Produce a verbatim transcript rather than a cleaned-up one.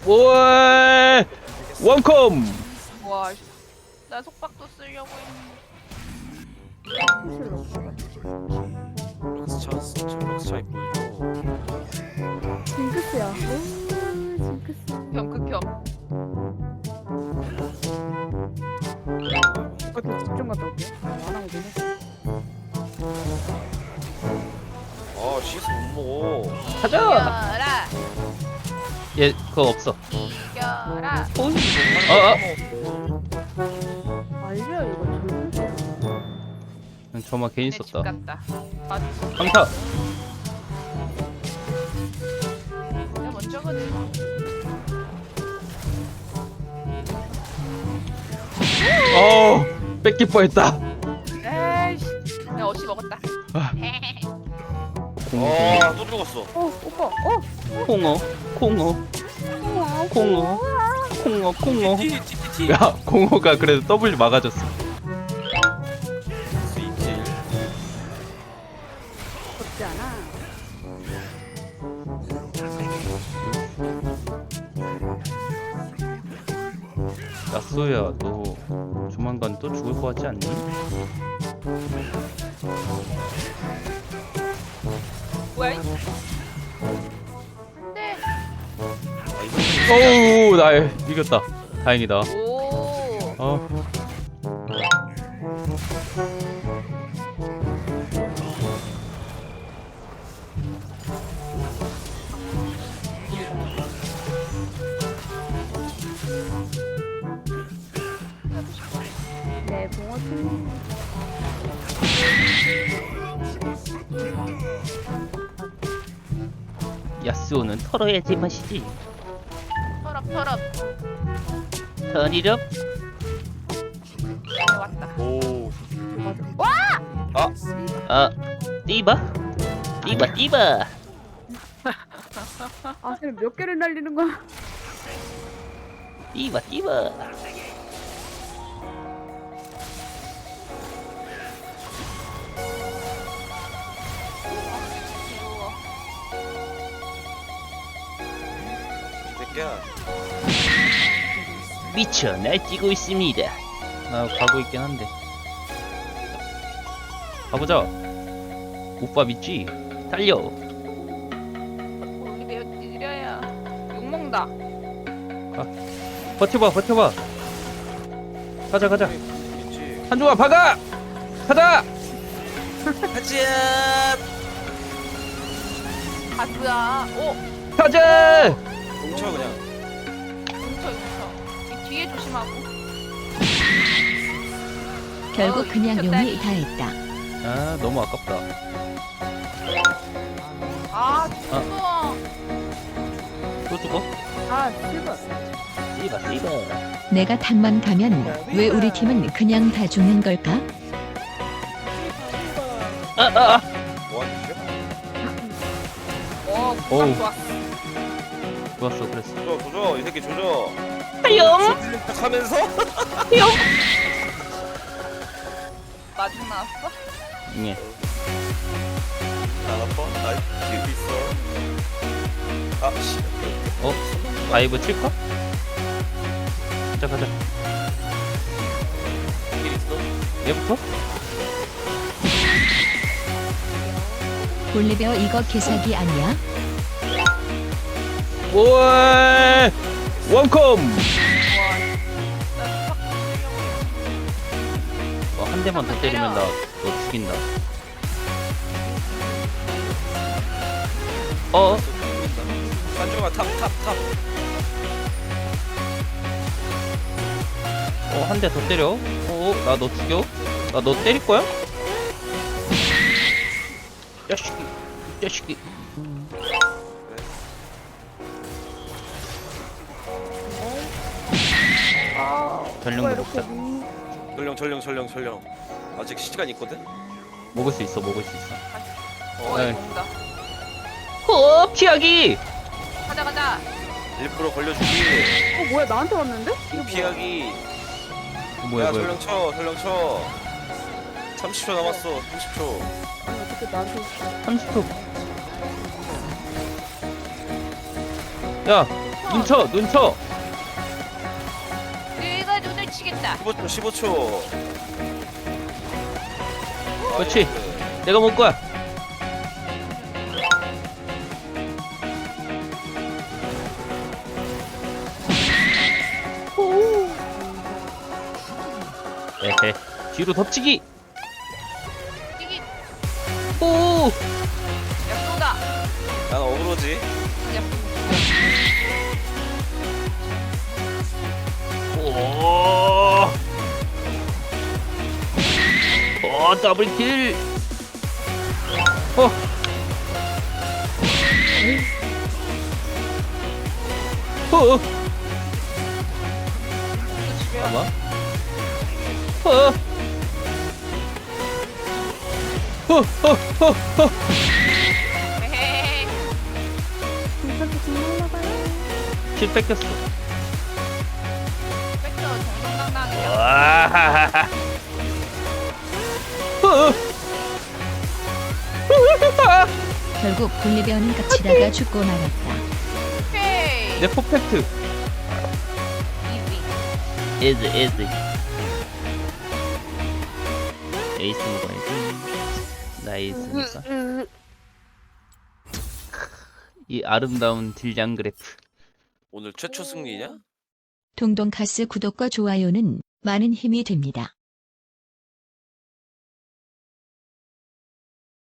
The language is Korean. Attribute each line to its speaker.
Speaker 1: 오에 원콤.
Speaker 2: 와, 씨. 나 속박도 쓰려고 했는데.
Speaker 3: 럭스 찬스, 저 럭스 차이 보여줘.
Speaker 4: 징크스야. 오, 징크스.
Speaker 2: 겸 극혐.
Speaker 4: 이것도 집중 갔다 올게요. 안 하고 되네.
Speaker 3: 아, 씨에스 못 먹어.
Speaker 1: 가자.
Speaker 2: 이겨라.
Speaker 1: 얘 그거 없어.
Speaker 2: 이겨라.
Speaker 1: 어, 어.
Speaker 4: 알죠 이거 징크스야.
Speaker 1: 그냥 저만 괜히
Speaker 2: 내 집
Speaker 1: 썼다.
Speaker 2: 같다. 맞아.
Speaker 1: 강타.
Speaker 2: 내가 먼저거든.
Speaker 1: 어 뺏길 뻔했다.
Speaker 2: 에이씨. 내가 어시 먹었다.
Speaker 1: 아.
Speaker 3: 아, 또 죽었어.
Speaker 4: 어 오빠. 어.
Speaker 1: 콩어 콩어
Speaker 4: 우와,
Speaker 1: 콩어 콩어 콩어.
Speaker 3: 티, 티, 티, 티.
Speaker 1: 야 공호가 그래도 W 막아줬어.
Speaker 3: 스위치.
Speaker 4: 덥지 않아.
Speaker 1: 야쏘야 너 조만간 또 죽을 것 같지 않니?
Speaker 2: 뭐야? 이- 안돼.
Speaker 3: 아, 이거
Speaker 1: 어우 나 이겼다. 다행이다.
Speaker 2: 오.
Speaker 1: 어.
Speaker 4: 네 봉어팀.
Speaker 1: 야쏘는 털어야지 맛이지.
Speaker 2: 털업 털업.
Speaker 1: 털이럽.
Speaker 2: 네, 왔다.
Speaker 3: 오.
Speaker 4: 맞아.
Speaker 1: 아 띠바 띠바 띠바.
Speaker 4: 아 쟤는 몇 개를 날리는 거야?
Speaker 1: 띠바 띠바.
Speaker 2: 귀여워.
Speaker 3: 새끼야.
Speaker 1: 미쳐 날뛰고 있습니다. 나 가고 있긴 한데. 가보자. 오빠 믿지? 달려.
Speaker 2: 우리 배우 느려야 욕 먹는다.
Speaker 1: 버텨봐 버텨봐. 가자 가자.
Speaker 3: 있지.
Speaker 1: 한종아 박아. 가자.
Speaker 3: 하지야.
Speaker 2: 가스야. 오.
Speaker 1: 가자.
Speaker 3: 뭉쳐 그냥.
Speaker 2: 뭉쳐 뭉쳐. 이 뒤에 조심하고.
Speaker 5: 결국
Speaker 2: 어우,
Speaker 5: 그냥
Speaker 2: 저
Speaker 5: 용이
Speaker 2: 딸이.
Speaker 5: 다 했다.
Speaker 1: 아 너무 아깝다.
Speaker 2: 아 죽어.
Speaker 1: 또 죽어?
Speaker 4: 아 실버.
Speaker 1: 띠바 띠바.
Speaker 5: 내가 탑만 가면 왜 우리 팀은 그냥 다 죽는 걸까?
Speaker 1: 아아 아.
Speaker 3: 뭐하는 짓이야?
Speaker 2: 어
Speaker 1: 어우.
Speaker 2: 구강 좋았어.
Speaker 1: 좋았어 그랬어.
Speaker 3: 조져, 조져. 이 새끼 조져.
Speaker 1: 하영.
Speaker 3: 딱 하면서?
Speaker 2: 마중 나왔어?
Speaker 1: 예.
Speaker 3: 안 아파? 나 뒤에 있어. 아, 씨.
Speaker 1: 어? 다이브 칠까? 가자 가자.
Speaker 3: 길 있어?
Speaker 1: 얘부터?
Speaker 5: 볼리베어 이거 개사기 아니야?
Speaker 1: 오에 원콤.
Speaker 2: 와. 나 속박 쓰려고
Speaker 1: 어, 한 대만 더 때리면 나 너 죽인다. 어?
Speaker 3: 산중아, 탑, 탑, 탑.
Speaker 1: 어, 한 대 더 때려. 어, 나 너 죽여? 나 너 때릴 거야? 야식이, 야식이. 전령도 먹자.
Speaker 3: 전령, 전령, 전령, 전령. 아직 시간 있거든?
Speaker 1: 먹을 수 있어, 먹을 수 있어.
Speaker 2: 어,
Speaker 1: 네.
Speaker 2: 이거 먹는다.
Speaker 1: 어, 피하기.
Speaker 2: 가자 가자.
Speaker 3: 일부러 걸려주기.
Speaker 4: 어 뭐야 나한테 왔는데?
Speaker 3: 피하기.
Speaker 1: 뭐야,
Speaker 3: 야,
Speaker 1: 뭐야.
Speaker 3: 전령 쳐, 전령 쳐. 삼십 초 남았어, 삼십 초.
Speaker 4: 아니 어떻게 나한테 있어?
Speaker 1: 삼십 초. 야, 눈쳐 눈쳐.
Speaker 2: 내가 눈을 치겠다.
Speaker 3: 십오 초 십오 초.
Speaker 1: 그렇지. 내가 먹을 거야. 에헤. 뒤로 덮치기.
Speaker 2: 이게
Speaker 1: 오.
Speaker 2: 약소다.
Speaker 3: 난 어그로지.
Speaker 1: 오. 오, 더블킬. 어. 어. 잠깐만. 어. 어, 어, 어, 어.
Speaker 2: 헤헤.
Speaker 4: 진짜 정말나봐요.
Speaker 1: 킬 뺏겼어.
Speaker 2: 뺏겨 정정당당하게.
Speaker 1: 와. 어.
Speaker 5: 결국 분리배원은 깝치다가 죽고 말았다.
Speaker 2: 헤이.
Speaker 1: 내 퍼펙트.
Speaker 2: 이지.
Speaker 1: 에즈 에즈. 에이스 먹어야지. 나이스니까. 이 아름다운 딜량 그래프.
Speaker 3: 오늘 최초 승리냐?
Speaker 5: 동동카스 구독과 좋아요는 많은 힘이 됩니다.